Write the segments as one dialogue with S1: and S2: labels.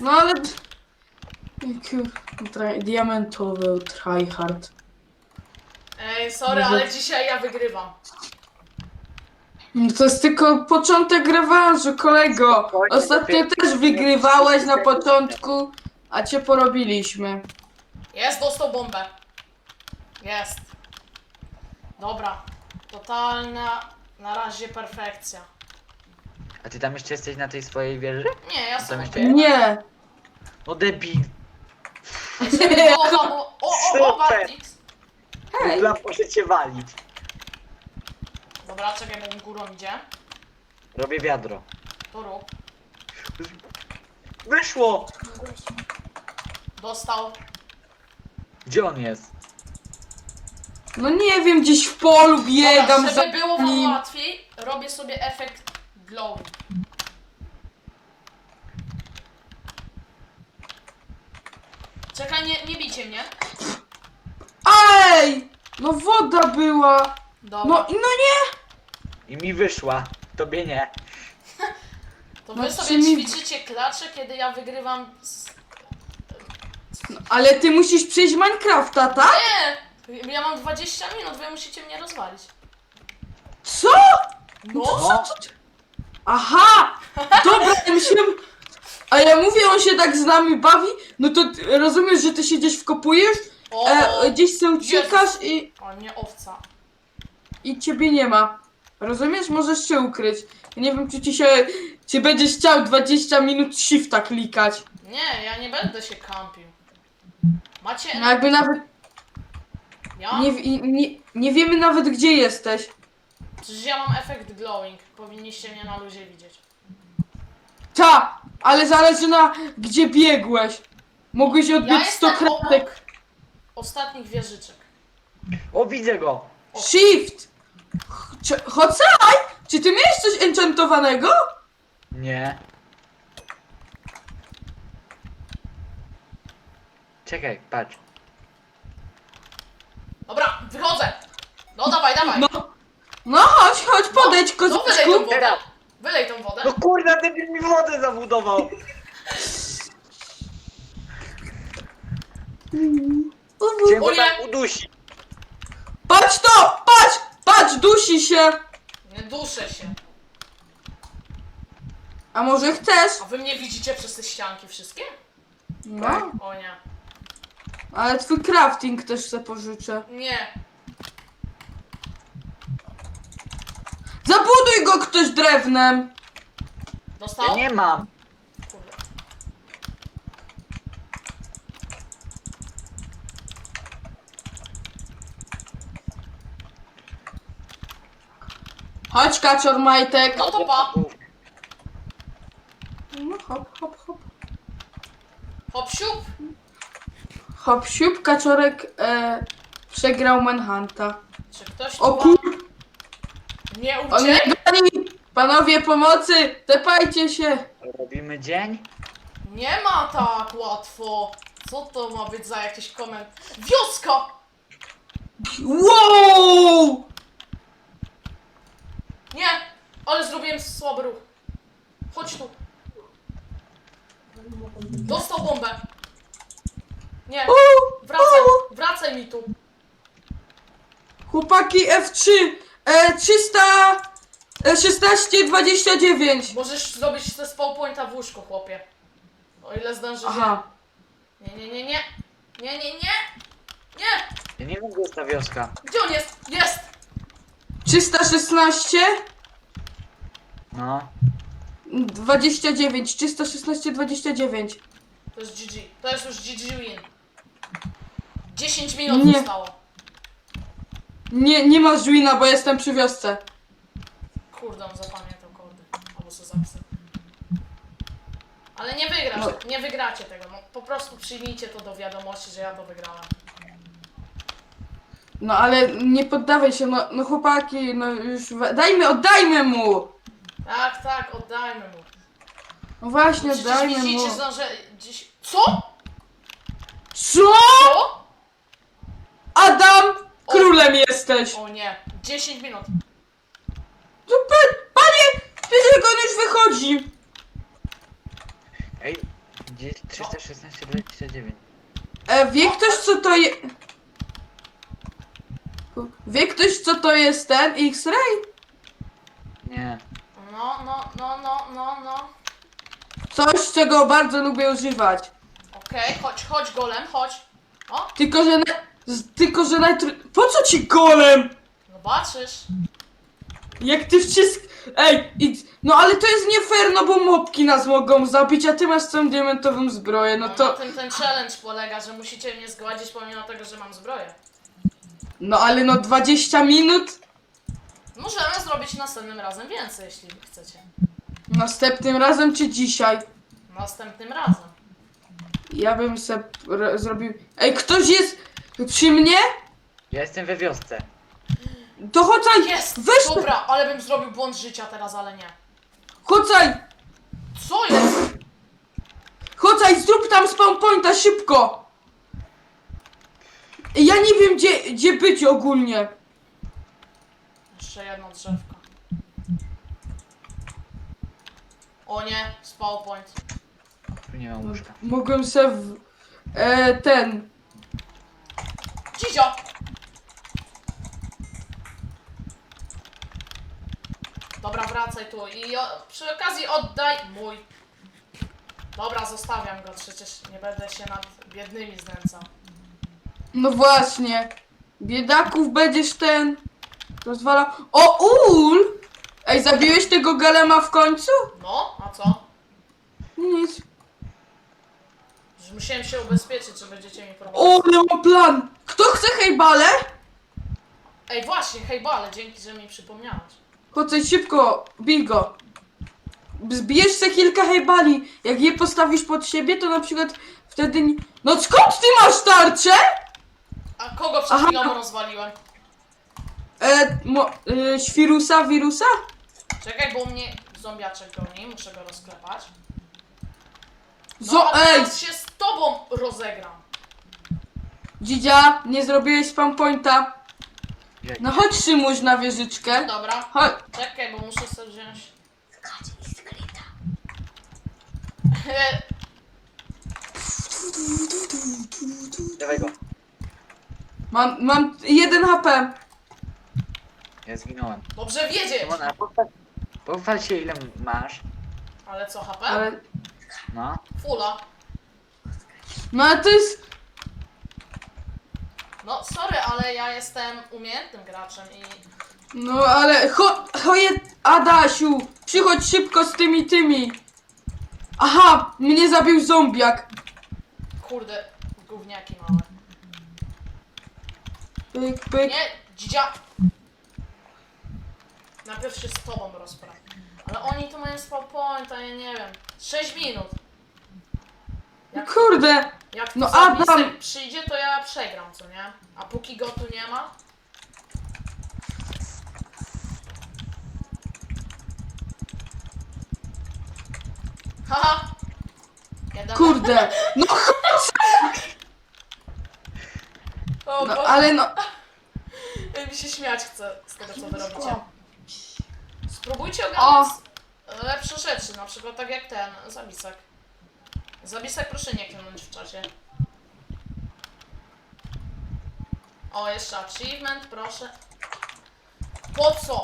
S1: No ale... Diamentowy tryhard.
S2: Ej, sorry, ale dzisiaj ja wygrywam.
S1: No to jest tylko początek rewanżu, kolego.
S3: Spokojnie,
S1: Ostatnio
S3: dopiero-
S1: też wygrywałeś na początku, a cię porobiliśmy.
S2: Jest, dostał bombę. Jest. Dobra. Totalna, na razie perfekcja.
S3: A ty tam jeszcze jesteś na tej swojej wieży?
S2: Nie, ja
S3: Tam
S2: sobie
S3: jeszcze-
S1: Nie.
S3: No debil.
S2: Żeby było wam... O,
S3: Super.
S2: Bartix.
S1: Hej.
S3: Dla proszę cię walić.
S2: Dobra, czekaj, bo mi górą idzie.
S3: Robię wiadro.
S2: To rób.
S3: Wyszło!
S2: Dostał.
S3: Gdzie on jest?
S1: No nie wiem, gdzieś w polu biegam
S2: Dobra,
S1: za
S2: żeby było wam
S1: nim.
S2: łatwiej, robię sobie efekt glow. Czekaj, nie bijcie mnie.
S1: Ej! No woda była.
S2: Dobra,
S1: No nie.
S3: I mi wyszła. Tobie nie.
S2: to
S1: no
S2: wy sobie
S1: czy mi-
S2: ćwiczycie klacze, kiedy ja wygrywam z...
S1: Ale ty musisz przejść Minecrafta, tak?
S2: Nie! Ja mam 20 minut, wy musicie mnie rozwalić.
S1: Co?
S2: No!
S3: No.
S1: Aha! Dobra, ja myślałem... A ja mówię, on się tak z nami bawi, no to rozumiesz, że ty się gdzieś wkopujesz,
S2: O!
S1: gdzieś sobie uciekasz
S2: O, nie owca.
S1: i ciebie nie ma. Rozumiesz? Możesz się ukryć. Ja nie wiem, czy będziesz chciał 20 minut shifta klikać.
S2: Nie, ja nie będę się kampił. Macie...
S1: No jakby nawet
S2: Ja?
S1: nie wiemy nawet, gdzie jesteś.
S2: Przecież ja mam efekt glowing. Powinniście mnie na luzie widzieć.
S1: Ta, ale zależy na gdzie biegłeś. Mogłeś
S2: Ja
S1: odbić 100
S2: jestem
S1: kratek.
S2: obok ostatnich wieżyczek.
S3: O, widzę go.
S1: Shift! Hocaj! Czy ty miałeś coś enchantowanego?
S3: Nie. Czekaj, patrz.
S2: Dobra, wychodzę! No dawaj, dawaj!
S1: No chodź, podejdź,
S2: No wylej tą
S1: kozaczku.
S2: wodę!
S3: Teraz.
S2: Wylej tą wodę!
S3: No kurde, debil mi wodę zabudował. Chciałem
S2: O
S3: go
S2: nie.
S3: tam udusić.
S1: Patrz to! Patrz, dusi się.
S2: Nie duszę się.
S1: A może chcesz?
S2: A wy mnie widzicie przez te ścianki wszystkie?
S1: No,
S2: O nie.
S1: ale twój crafting też se pożyczę.
S2: Nie.
S1: Zabuduj go ktoś drewnem.
S2: Dostał?
S3: Ja nie mam.
S2: Kurde.
S1: Chodź, kaczor majtek.
S2: No to pa.
S1: No hop.
S2: Hop siup.
S1: Hop, siup, kaczorek przegrał Manhunta.
S2: Czy ktoś
S1: O
S2: tu
S1: kur...
S2: wam nie
S1: On nie
S2: uciekł?
S1: goni! Panowie, pomocy! Tepajcie się!
S3: Robimy dzień?
S2: Nie ma tak łatwo. Co to ma być za jakiś koment? Wioska!
S1: Wow!
S2: Nie! Ale zrobiłem słaby ruch. Chodź tu. Dostał bombę. Nie, wracaj mi tu.
S1: Chłopaki F3 1629.
S2: Możesz zrobić te spawn pointa w łóżku, chłopie. O ile zdążysz.
S1: Aha.
S2: Nie.
S3: Ja nie wiem, gdzie jest ta wioska.
S2: Gdzie on jest? Jest!
S1: 316
S3: No.
S1: 29. 316 29.
S2: To jest GG. To jest już GG win. 10 minut
S1: Nie.
S2: zostało.
S1: Nie masz wina, bo jestem przy wiosce.
S2: Kurde, on zapamiętał kordy. Albo co zapisał. Ale nie wygrasz,
S1: No.
S2: nie wygracie tego. No, po prostu przyjmijcie to do wiadomości, że ja to wygrałem.
S1: No ale nie poddawaj się, no chłopaki, no już oddajmy mu!
S2: Tak, oddajmy mu.
S1: No właśnie,
S2: Przecież
S1: oddajmy mu.
S2: widzicie, że dziś... Co?
S1: Co?
S2: Co?
S1: Adam! Królem jesteś!
S2: O nie, 10 minut.
S1: Panie! Wiecie, jak on już wychodzi!
S3: Ej, gdzie jest
S1: Wie ktoś co to jest... Wie ktoś co to jest ten X-Ray?
S3: Nie.
S2: No.
S1: Coś, czego bardzo lubię używać.
S2: Okej, chodź golem, chodź. O,
S1: Tylko, że Po co ci golem?
S2: zobaczysz.
S1: Jak ty wszystko... Ej, no ale to jest nie fair, no bo mopki nas mogą zabić, a ty masz całą diamentową zbroję, no
S2: No
S1: to...
S2: na tym ten challenge polega, że musicie mnie zgładzić pomimo tego, że mam zbroję.
S1: No ale no 20 minut?
S2: Możemy zrobić następnym razem więcej, jeśli chcecie.
S1: Następnym razem czy dzisiaj?
S2: Następnym razem.
S1: Ja bym se zrobił... Ej, ktoś jest przy mnie?
S3: Ja jestem we wiosce.
S1: To chodźaj!
S2: Jest!
S1: Weź to!
S2: Dobra, ale bym zrobił błąd życia teraz, ale nie.
S1: Chodźaj!
S2: Co jest?
S1: Chodźaj, zrób tam spawn pointa szybko! Ja nie wiem gdzie być ogólnie.
S2: Jeszcze jedno drzewko. O nie, spawn point.
S3: Tu nie ma łóżka.
S1: Mogłem se ten...
S2: Dzizio! Dobra, wracaj tu i przy okazji oddaj mój. Dobra, zostawiam go, przecież nie będę się nad biednymi znęcał.
S1: No właśnie. Biedaków będziesz ten... Rozwala... O, ul! Ej, zabiłeś tego golema w końcu?
S2: No, a co?
S1: Nic.
S2: Że musiałem się ubezpieczyć, że będziecie mi prowadzić.
S1: O, ale mam plan! Kto chce hejbale?
S2: Ej, właśnie, hejbale, dzięki, że mi przypomniałeś.
S1: Chodź szybko, bij go. Zbijesz se kilka hejbali. Jak je postawisz pod siebie, to na przykład wtedy... No skąd ty masz tarczę?
S2: A kogo przed
S1: Aha.
S2: chwilą rozwaliłem?
S1: Świrusa, wirusa?
S2: Czekaj, bo mnie zombiaczek goni, muszę go rozklepać. No, a
S1: Ej!
S2: teraz się z tobą rozegram.
S1: Dzidzia, nie zrobiłeś spam pointa.
S3: Jak?
S1: No chodź Szymuś na wieżyczkę.
S2: Dobra,
S1: Chodź.
S2: czekaj, bo muszę sobie wziąć...
S3: Dawaj go.
S1: Mam 1 HP.
S3: Ja zginąłem.
S2: Dobrze wiedzieć!
S3: Simona, pochwal się ile masz.
S2: Ale co, HP?
S1: Ale...
S3: No.
S2: Fula.
S1: No ale to jest...
S2: No, sorry, ale ja jestem umiejętnym graczem i...
S1: No ale... Adasiu! Przychodź szybko z tymi. Aha! Mnie zabił zombiak.
S2: Kurde, gówniaki małe.
S1: Pyk, pyk.
S2: Nie, dzidzia! Najpierw się z tobą rozprawię. Ale oni tu mają spawn point, a ja nie wiem. 6 minut.
S1: Kurde!
S2: Jak
S1: No,
S2: zapisek
S1: Adam!
S2: przyjdzie, to ja przegram, co nie? A póki go tu nie ma... Haha! Jeden.
S1: Kurde! No,
S2: O,
S1: no
S2: Boże,
S1: ale no...
S2: mi się śmiać chce z tego, co wy robicie. Spróbujcie
S1: O.
S2: ogarnąć lepsze rzeczy, na przykład tak jak ten, Zabisek. Zabisek proszę nie klinąć w czasie. O, jeszcze achievement, proszę. Po co?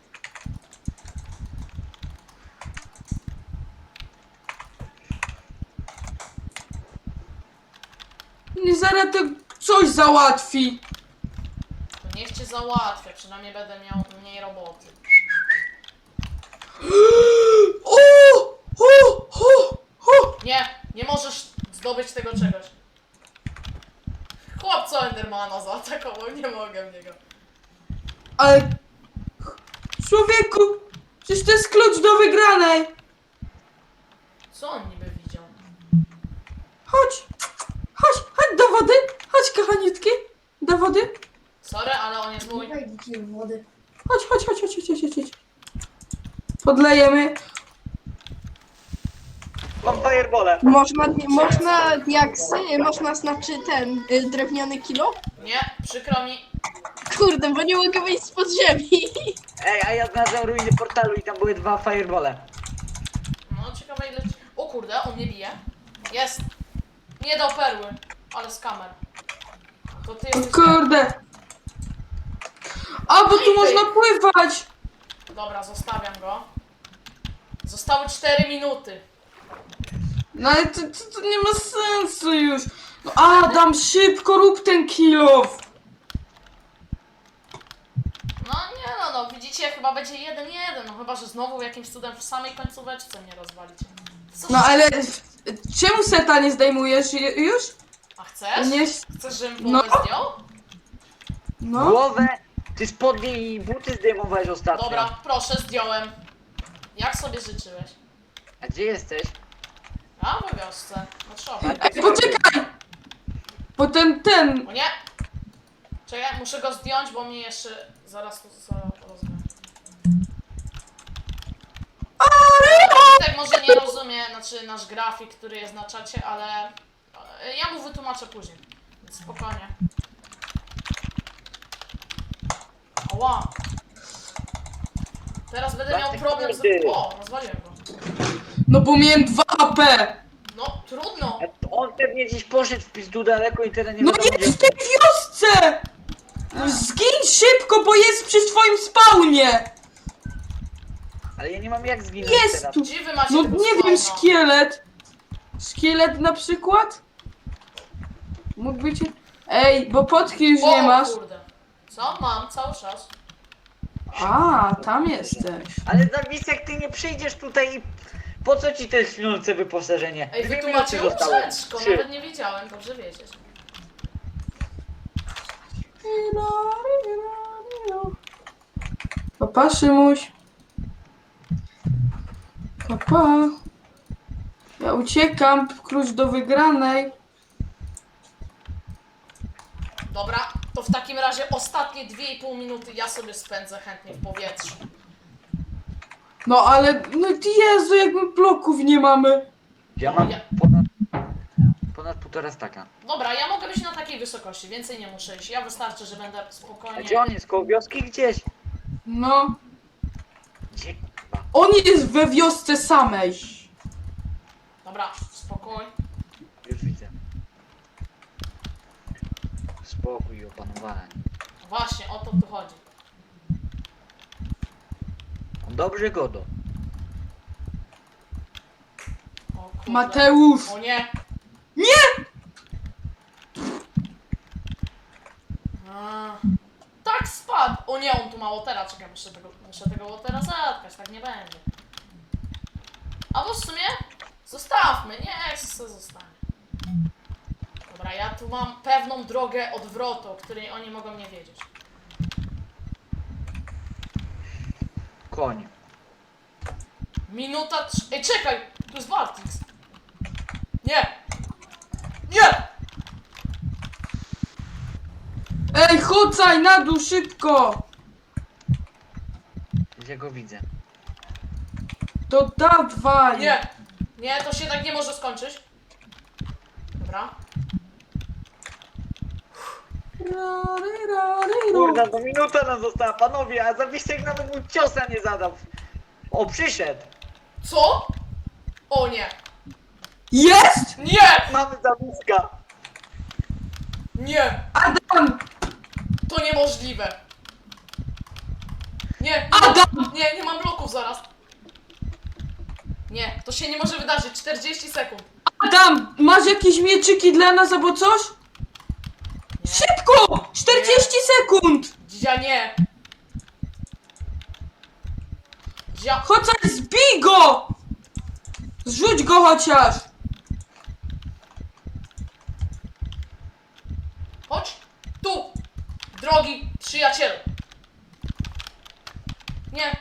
S1: Nie zaraz to coś załatwi.
S2: To niech cię załatwię, przynajmniej będę miał mniej roboty.
S1: O! O! O! O!
S2: Nie, nie możesz zdobyć tego czegoś. Chłopco Endermana zaatakował, nie mogę w niego.
S1: Ale... Człowieku! Przecież to jest klucz do wygranej!
S2: Co on niby widział?
S1: Chodź! Chodź! Chodź do wody! Chodź, kochaniutki! Do wody!
S2: Sorry, ale on jest mój.
S4: Wejdziecie w wody.
S1: Chodź, chodź, chodź, chodź, chodź, chodź, chodź. Podlejemy.
S3: Mam firebole.
S4: Można diaksy, można znaczy ten drewniany kilo?
S2: Nie, przykro mi.
S4: Kurde, bo nie mogę wyjść spod ziemi.
S3: Ej, a ja znalazłem ruiny portalu i tam były 2 firebole.
S2: No, ciekawe ile... O kurde, on mnie bije. Jest. Nie dał perły. ale skamer. To ty
S1: O
S2: jesteś...
S1: kurde. A, bo
S2: No i
S1: tu
S2: ty.
S1: można pływać.
S2: Dobra, zostawiam go. Zostały 4 minuty.
S1: No ale to nie ma sensu już. No Adam, szybko rób ten kill off.
S2: No nie no, widzicie, chyba będzie 1-1, no chyba, że znowu jakimś cudem w samej końcóweczce mnie rozwalicie. Co
S1: No ale czemu seta nie zdejmujesz już?
S2: A chcesz?
S1: Nie.
S2: Chcesz, żebym
S1: No.
S2: głowę zdjął?
S1: No.
S3: Głowę, ty spodnie i buty zdejmowałeś ostatnio.
S2: Dobra, proszę, zdjąłem. Jak sobie życzyłeś?
S3: A gdzie jesteś?
S2: A, we wiosce. No trzeba.
S1: Ej, poczekaj! Potem ten.
S2: O nie! Czekaj, muszę go zdjąć, bo mnie jeszcze zaraz to rozumiem. Tak może nie rozumie, znaczy nasz grafik, który jest na czacie, ale ja mu wytłumaczę później. Więc spokojnie. Oła! Teraz będę miał problem z... O, rozwaliłem go.
S1: No bo miałem 2 AP.
S2: No, trudno.
S3: A on pewnie gdzieś poszedł w pizdu daleko i teraz nie
S1: No
S3: wiadomo,
S1: jest w tej wiosce! Zgiń szybko, bo jest przy swoim spawnie!
S3: Ale ja nie mam jak zginąć
S1: Jest
S3: teraz.
S1: tu!
S2: Gdzie wy macie
S1: No
S2: tego
S1: nie wiem,
S2: spawna?
S1: szkielet! Szkielet na przykład? Mógł być... Ej, bo potki już nie
S2: O,
S1: masz.
S2: kurde. Co? Mam, cały czas.
S1: A, tam jesteś.
S3: Ale Zawisek, ty nie przyjdziesz tutaj i... Po co ci te śniące wyposażenie?
S2: Ej,
S3: 2
S2: wy tu
S3: minuty
S2: macie
S3: zostały.
S2: łóżeczko,
S3: 3.
S2: nawet nie wiedziałem, dobrze wiedzieć.
S1: Papa, Szymuś. Papa. Ja uciekam, klucz do wygranej.
S2: Dobra, to w takim razie ostatnie 2,5 minuty ja sobie spędzę chętnie w powietrzu.
S1: No ale, no Jezu, jak my bloków nie mamy.
S3: Ja mam
S2: Ja-
S3: ponad 1,5 staka.
S2: Dobra, ja mogę być na takiej wysokości, więcej nie muszę iść. Ja wystarczy, że będę
S3: A
S2: spokojnie...
S3: gdzie on jest? Koło wioski gdzieś?
S1: No,
S3: Gdzie kurwa?
S1: on jest we wiosce samej.
S2: Dobra, spokój.
S3: Już widzę. Spokój i opanowanie.
S2: Właśnie, o to tu chodzi.
S3: On dobrze godo.
S2: O kurde.
S1: Mateusz.
S2: O nie!
S1: Nie!
S2: A, tak spadł! O nie, on tu ma łotera, czekaj, muszę tego łotera zatkać, tak nie będzie. Albo w sumie zostawmy, nie, se zostanie. Dobra, ja tu mam pewną drogę odwrotu, o której oni mogą nie wiedzieć.
S3: Koń.
S2: Minuta 3... Ej, czekaj! Tu jest Baltix. Nie! Nie!
S1: Ej, chodźaj na dół szybko.
S3: Gdzie go widzę?
S1: To dawaj.
S2: Nie! Nie, to się tak nie może skończyć. Dobra.
S3: Kurna, no minuta nam została, panowie, a Zawisek nawet mu ciosa nie zadał. O, przyszedł.
S2: Co? O nie!
S1: Jest!
S2: Nie!
S3: Mamy Zawiska.
S2: Nie!
S1: Adam!
S2: To niemożliwe! Nie!
S1: Adam!
S2: Nie, nie mam bloków zaraz! Nie, to się nie może wydarzyć. 40 sekund.
S1: Adam! Masz jakieś mieczyki dla nas albo coś?
S2: Nie.
S1: Szybko! 40 sekund!
S2: Dzia nie! Dzia...
S1: Chodź, zbij go! Zrzuć go chociaż!
S2: Chodź! Tu! Drogi przyjacielu! Nie!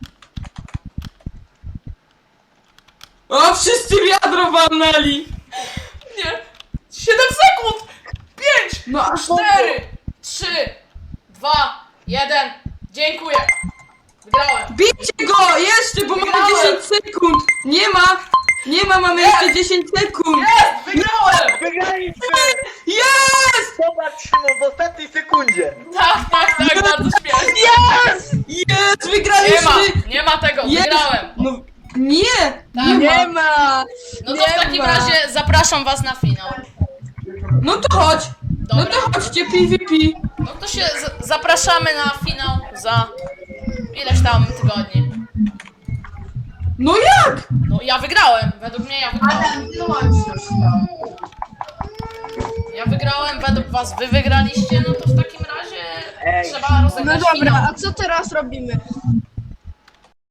S1: O, wszyscy wiadro walnęli!
S2: Nie! 7 sekund! 5!
S1: No a
S2: 4! 3! 2! 1! Dziękuję! Wygrałem!
S1: bijcie go! Jeszcze, bo mamy
S2: Wygrałem!
S1: 10 sekund! Nie ma! Nie ma, mamy jeszcze 10 sekund!
S2: Jest! Wygrałem!
S3: Wygraliśmy!
S1: Jest!
S3: Zobacz, Szymon, w ostatniej sekundzie.
S2: Tak, bardzo śmiesznie!
S1: Jest! Jest!
S2: Nie
S1: Wygraliśmy!
S2: ma! Nie ma tego!
S1: Jest!
S2: Wygrałem!
S1: No, nie!
S2: Tak.
S1: Nie ma!
S4: Nie ma!
S2: No to
S4: Nie
S2: w takim
S4: ma.
S2: razie zapraszam was na finał.
S1: No to chodź. No
S2: Dobra.
S1: to chodźcie PvP.
S2: No to się zapraszamy na finał za ileś tam tygodni.
S1: No jak?
S2: No ja wygrałem, według mnie ja wygrałem.
S4: Adam, wyłącz już to.
S2: Ja wygrałem, według was wy wygraliście, no to w takim razie
S3: Ej.
S2: trzeba
S4: No
S2: rozegrać
S4: dobra,
S2: finał.
S4: a co teraz robimy?